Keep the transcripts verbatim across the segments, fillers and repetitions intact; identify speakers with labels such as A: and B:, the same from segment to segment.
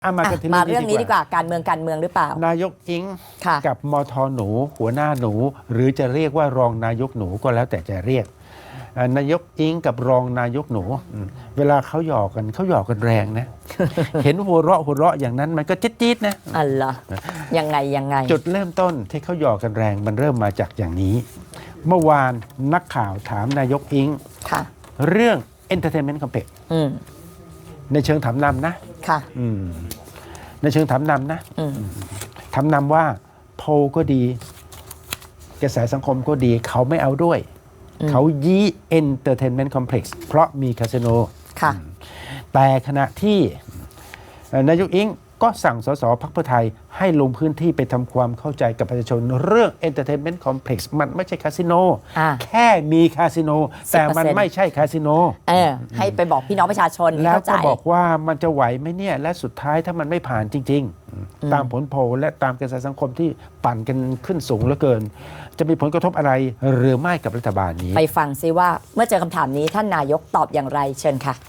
A: อ่ะมากันที่
B: มาเรื่องนี้ดีกว่าการเมืองการเมืองหรือเปล่าน
A: ายกอิง
B: ค่ะ
A: กับมทหนู หัวหน้าหนู หรือจะเรียกว่ารองนายกหนูก็แล้วแต่จะเรียกอ่ะนายกอิงกับรองนายกหนูอืมเวลาเขาหยอกกันเขาหยอกกันแรงนะ เห็นหัวเราะหัวเราะอย่างนั้นมันก็จี๊ดๆนะ
B: อัลล่ะยังไงยังไง
A: จุดเริ่มต้นที่เขาหยอกกันแรงมันเริ่มมาจากอย่างนี้ เมื่อวานนักข่าวถามนายกอิง
B: ค่ะ
A: เรื่อง Entertainment Complex
B: อืม
A: ในเชิงถามนำนะ
B: ค่ะ
A: อืมในเชิงถามนำนะ
B: อืม
A: ถามนำว่าโพลก็ดี กระแสสังคมก็ดี เขาไม่เอาด้วย
B: อืม
A: เขายี้ Entertainment Complex เพราะมีคาสิโน
B: ค่ะ
A: แต่ขณะที่เอ่อนายกอิงก็สั่งสสพรรคเพื่อไทยให้ลงพื้นที่ไปทำความเข้าใจกับประชาชนเรื่อง Entertainment Complex มันไม่ใช่คาสิโน
B: อ่า
A: แค่มีคาสิโน แต่มัน
B: สิบเปอร์เซ็นต์
A: ไม่ใช่คาสิโน
B: เออ ให้ไปบอกพี่น้องประชาชน
A: แล้ว
B: เข้าใจ
A: ก็บอกว่ามันจะไหวไหมเนี่ย และสุดท้ายถ้ามันไม่ผ่านจริง ๆ ตามผลโพลและตามกระแสสังคมที่ปั่นกันขึ้นสูงเหลือเกิน จะมีผลกระทบอะไรหรือไม่กับรัฐบาลนี้
B: ไปฟังซิว่าเมื่อเจอคำถามนี้ท่านนายกตอบอย่างไรเชิญค่ะ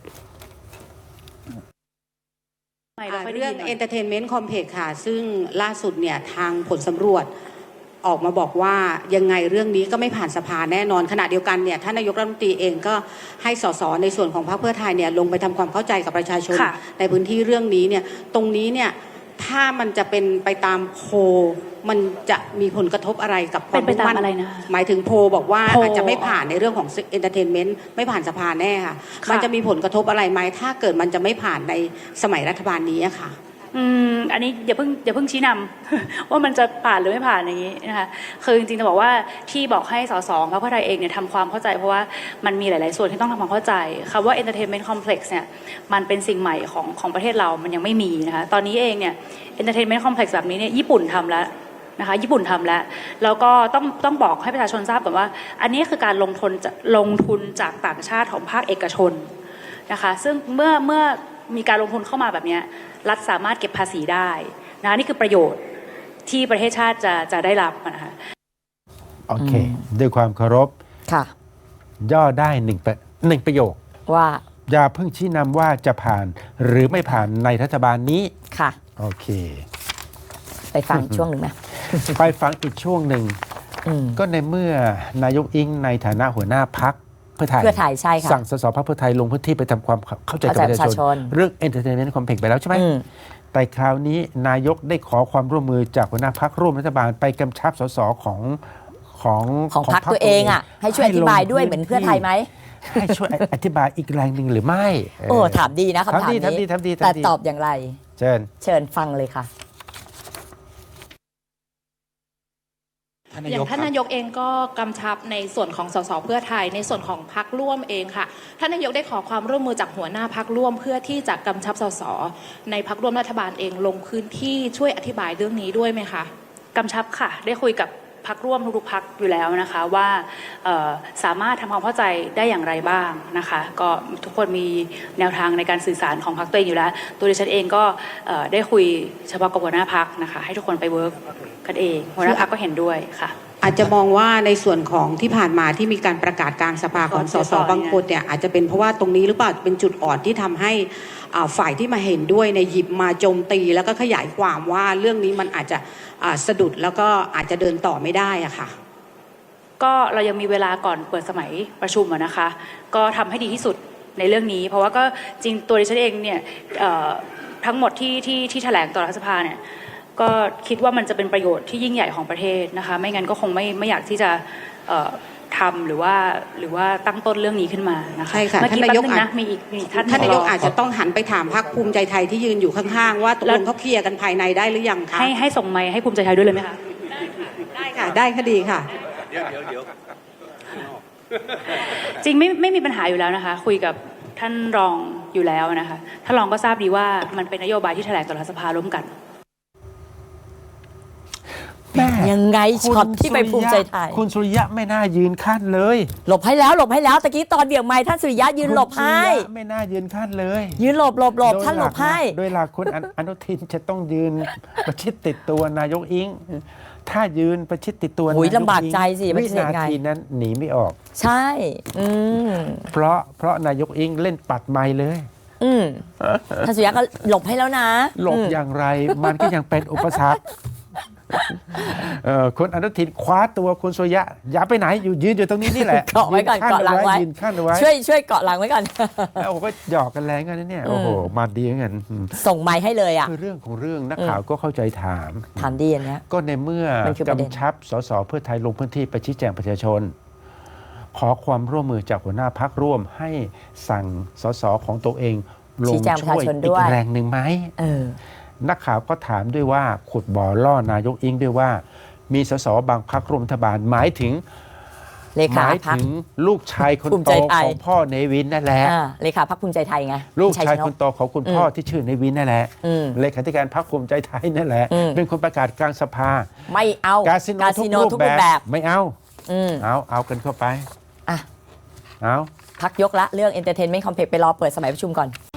C: เรื่อง Entertainment Complex ค่ะซึ่งล่าสุดเนี่ยทางผลสำรวจออกมาบอกว่ายังไงเรื่องนี้ก็ไม่ผ่านสภาแน่นอนขณะเดียวกันเนี่ยท่านนายกรัฐมนตรีเองก็ให้สสในส่วนของพรรคเพื่อไทยเนี่ยลงไปทำความเข้าใจกับประชาชนในพื้นที่เรื่องนี้เนี่ยตรงนี้เนี่ยถ้ามันจะเป็นไปตามโพลมันจะมีผลกระทบอะไรกับความมุ่งมั่นหมายถึงโพลบอกว่าอาจจะไม่ผ่านในเรื่องของ Entertainment ไม่ผ่านสภาแน่ค่ะมันจะมีผลกระทบอะไรไหมถ้าเกิดมันจะไม่ผ่านในสมัยรัฐบาลนี้ค่ะ
D: อืมอันนี้อย่าเพิ่งอย่าเพิ่งชี้นำ ว่ามันจะผ่านหรือไม่ผ่านอย่างนี้นะคะคือจริงๆจะบอกว่าที่บอกให้สสพรรคเพื่อไทยเองเนี่ยทำความเข้าใจเพราะว่ามันมีหลายๆส่วนที่ต้องทำความเข้าใจคำว่า entertainment complex เนี่ยมันเป็นสิ่งใหม่ของของประเทศเรามันยังไม่มีนะคะตอนนี้เองเนี่ย entertainment complex แบบนี้เนี่ยญี่ปุ่นทำแล้วนะคะญี่ปุ่นทำแล้วแล้วก็ต้องต้องบอกให้ประชาชนทราบก่อนว่าอันนี้คือการลงทุนลงทุนจากต่างชาติของภาคเอกชนนะคะซึ่งเมื่อเมื่อมีการลงทุนเข้ามาแบบนี้รัฐสามารถเก็บภาษีได้นะนี่คือประโยชน์ที่ประเทศชาติจะจะได้รับนะคะ
A: โอเค ด้วยความเคารพ
B: ค่ะ
A: ย่อได้หนึ่งประหนึ่งประโยค
B: ว่า
A: อย่าเพิ่งชี้นำว่าจะผ่านหรือไม่ผ่านในรัฐบาลนี้
B: ค่ะ
A: โอเค
B: ไปฟังช่วงหนึ่งไหม
A: ไปฟังอีกช่วงหนึ่ง
B: อืม
A: ก็ในเมื่อนายกอิงในฐานะหัวหน้าพักเพื่อไทย
B: เพื่อไทยใช่ค่ะ
A: สั่งสสพรรคเพื่อไทยลงพื้นที่ไปทำความเข้าใจกับประชาชน
B: เข้าใจประชาชน
A: เรื่อง Entertainment Complex ไปแล้วใช่ไหม
B: อืม
A: แต่คราวนี้นายกได้ขอความร่วมมือจากหัวหน้าพักร่วมรัฐบาลไปกำชับสสของของ
B: ของพรรคตัวเองอ่ะให้ช่วยอธิบายด้วยเหมือนเพื่อไทยไหม
A: ให้ช่วยอธิบายอีกแรงหนึ่งหรือไม่
B: โอ้ถามดีนะคำถามนี้
A: ทำดีทำดีทำดี
B: แต่ตอบอย่างไร
A: เชิญ
B: เชิญฟังเลยค่ะ
E: อย่างท่านนายกเองก็กำชับในส่วนของสสเพื่อไทยในส่วนของพรรคร่วมเองค่ะท่านนายกได้ขอความร่วมมือจากหัวหน้าพรรคร่วมเพื่อที่จะกำชับสสในพรรคร่วมรัฐบาลเองลงพื้นที่ช่วยอธิบายเรื่องนี้ด้วยไหมคะ
D: กำชับค่ะได้คุยกับพรรคร่วมทุกๆพรรคอยู่แล้วนะคะว่าสามารถทำความเข้าใจได้อย่างไรบ้างนะคะก็ทุกคนมีแนวทางในการสื่อสารของพรรคตัวเองอยู่แล้วตัวดิฉันเองก็ได้คุยเฉพาะกับหัวหน้าพรรคนะคะให้ทุกคนไปเวิร์กกันเองหัวหน้าพรรคก็เห็นด้วยค่ะ
C: อาจจะมองว่าในส่วนของที่ผ่านมาที่มีการประกาศกลางสภาของสสบางคนเนี่ยอาจจะเป็นเพราะว่าตรงนี้หรือเปล่าเป็นจุดอ่อนที่ทำให้ฝ่ายที่มาเห็นด้วยในหยิบมาโจมตีแล้วก็ขยายความว่าเรื่องนี้มันอาจจะสะดุดแล้วก็อาจจะเดินต่อไม่ได้อะค่ะ
D: ก็เรายังมีเวลาก่อนเปิดสมัยประชุมนะคะก็ทำให้ดีที่สุดในเรื่องนี้เพราะว่าก็จริงตัวดิฉันเองเนี่ยทั้งหมดที่ที่ที่แถลงต่อรัฐสภาเนี่ยก็คิดว่ามันจะเป็นประโยชน์ที่ยิ่งใหญ่ของประเทศนะคะไม่งั้นก็คงไม่ไม่อยากที่จะทำหรือว่าหรือว่าตั้งต้นเรื่องนี้ขึ้นมานะคะ
C: ใช่ค่ะ
D: ท่านนายกนะมีอีกมีท่าน
C: ท่านนายกอาจจะต้องหันไปถามพรรคภูมิใจไทยที่ยืนอยู่ข้างๆว่าตกลงเขาเคลียร์กันภายในได้หรือยังคะ
D: ให้ให้ส่งไมค์ให้ภูมิใจไทยด้วยเลยไหมคะ
C: ได้ค่ะได้คดีค่ะ
F: เดี๋ยวเดี๋ยวเดี๋ยว
D: จริงไม่ไม่มีปัญหาอยู่แล้วนะคะคุยกับท่านรองอยู่แล้วนะคะท่านรองก็ทราบดีว่ามันเป็นนโยบายที่แถลงต่อรัฐสภาร่วมกัน
B: ยังไงช็อตที่ไปภูมิใจไทย
A: คุณสุริยะไม่น่ายืนขั้นเลย
B: หลบให้แล้วหลบให้แล้วตะกี้ตอนเบี่ยงไม้ท่านสุริยะยืนหลบให้
A: ไม่น่ายืนขั้นเลย
B: ยืนหลบหลบหลบท่านหลบให้
A: โดยหลักคุณอนุทินจะต้องยืนประชิดติดตัวนายกอิงถ้ายืนประชิดติดตัวนายกอิง
B: ลำบากใจสิ
A: วินาทีนั้นหนีไม่ออก
B: ใช่อืม
A: เพราะเพราะนายกอิงเล่นปัดไม้เลย
B: อืมท่านสุริยะก็หลบให้แล้วนะ
A: หลบ
B: อืม
A: อย่างไรมันก็ยังเป็นอุปสรรคเอ่อคุณอนุทินคว้าตัวคุณสุริยะอย่าไปไหนอยู่ยืนอยู่ตรงนี้นี่แหละ
B: เกาะไว้ก่อน
A: ยืขั้
B: เกาะหลังไว้
A: ยืนขั้นเอาไว้
B: ช่วยช่วยเกาะหลังไว้ก่อน
A: แล้วโอ้ก็หยอกกันแรงกันนะเนี่ย
B: อืม
A: โอ้โหมาดีเหมือนกันอืม
B: ส่งไม้ให้เลยอ่ะ
A: คือเรื่องของเรื่องนักข่าวก็เข้าใจถาม
B: ถามดีอันเนี้ย
A: ก็ในเมื่อ
B: มันคือประเด็น
A: กำชับสสเพื่อไทยลงพื้นที่ไปชี้แจงประชาชน ขอความร่วมมือจากหัวหน้าพักร่วมให้สั่งสสของตัวเองลง
B: ชี้แจงประ
A: ช่
B: ชา
A: วย
B: ชน
A: อี
B: ด้
A: ก
B: วย
A: แรงหนึ่งไหม
B: เออ
A: นักข่าวก็ถามด้วยว่าขุดบ่อล่อนายกอิงด้วยว่า มีสสบางพักร่วมรัฐบาลหมายถึง
B: เล
A: ห
B: ขา
A: มาย
B: พัก
A: ถึงลูกชายคน
B: ภูมิ
A: โต
B: ใจไทย
A: ของพ่อเนวินนั่นแหละ
B: อ่าเลขาพักภูมิใจไทยไง
A: ลูก
B: ชัย
A: ชาย
B: ชน
A: ค
B: ก
A: นโตของคุณพ่อที่ชื่อเนวินนั่นแหละ
B: อืม
A: เลขาธิการพรรคภูมิใจไทยนั่นแหละ
B: อืม
A: เป็นคนประกาศกลางสภา
B: ไม่เอา
A: กาสิโน
B: กา
A: ทุ
B: สิ
A: ก
B: โน
A: รูป
B: ทุก
A: แบ
B: รูปแบบ บ
A: ไม่เอา
B: อืม
A: เอาเอากันเข้าไป
B: อ่ะ
A: เอา
B: พักยกละเรื่อง Entertainment Complex ไปรอเปิดสมัยประชุมก่อน